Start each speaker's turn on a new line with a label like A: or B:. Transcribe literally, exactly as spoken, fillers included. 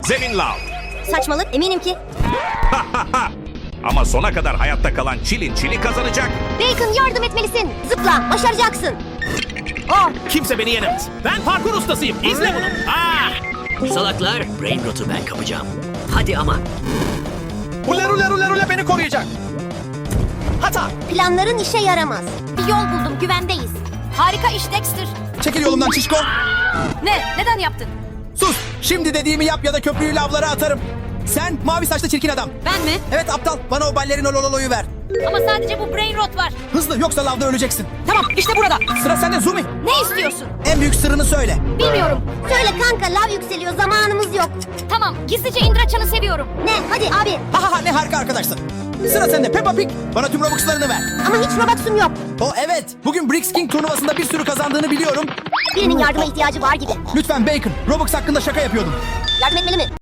A: Zemin lav.
B: Saçmalık, eminim ki.
A: Ama sona kadar hayatta kalan Çilin Çili kazanacak.
B: Bacon, yardım etmelisin. Zıpla, başaracaksın. Oh,
C: Kimse beni yenemez. Ben parkur ustasıyım. İzle bunu. Ah!
D: Salaklar, brain rot'u ben kapacağım. Hadi ama.
C: Ule ule ule ule beni koruyacak. Hata.
B: planların işe yaramaz. Bir yol buldum, güvendeyiz. Harika iş Dexter.
E: Çekil yolumdan şişko.
B: Ne? Neden yaptın?
E: Sus. Şimdi dediğimi yap ya da köprüyü lavlara atarım. Sen mavi saçlı çirkin adam.
B: Ben mi?
E: Evet aptal. Bana o ballerino lololoyu ver.
B: Ama sadece bu brain rot var.
E: Hızlı yoksa lavda öleceksin.
B: Tamam, işte burada.
E: Sıra sende Zumi.
B: Ne istiyorsun?
E: En büyük sırrını söyle.
B: Bilmiyorum. Söyle kanka, lav yükseliyor, zamanımız yok. Tamam, gizlice Indraçan'ı seviyorum. Ne? Hadi abi.
E: Ha ha ha ne harika arkadaşsın. Sıra sende Peppa Pig. Bana tüm Robux'larını ver.
B: Ama hiç Robux'um yok.
E: O evet. Bugün Bricks King turnuvasında bir sürü kazandığını biliyorum.
B: Birinin yardıma ihtiyacı var gibi.
E: Lütfen Bacon. Robux hakkında şaka yapıyordum.
B: Yardım etmeli mi?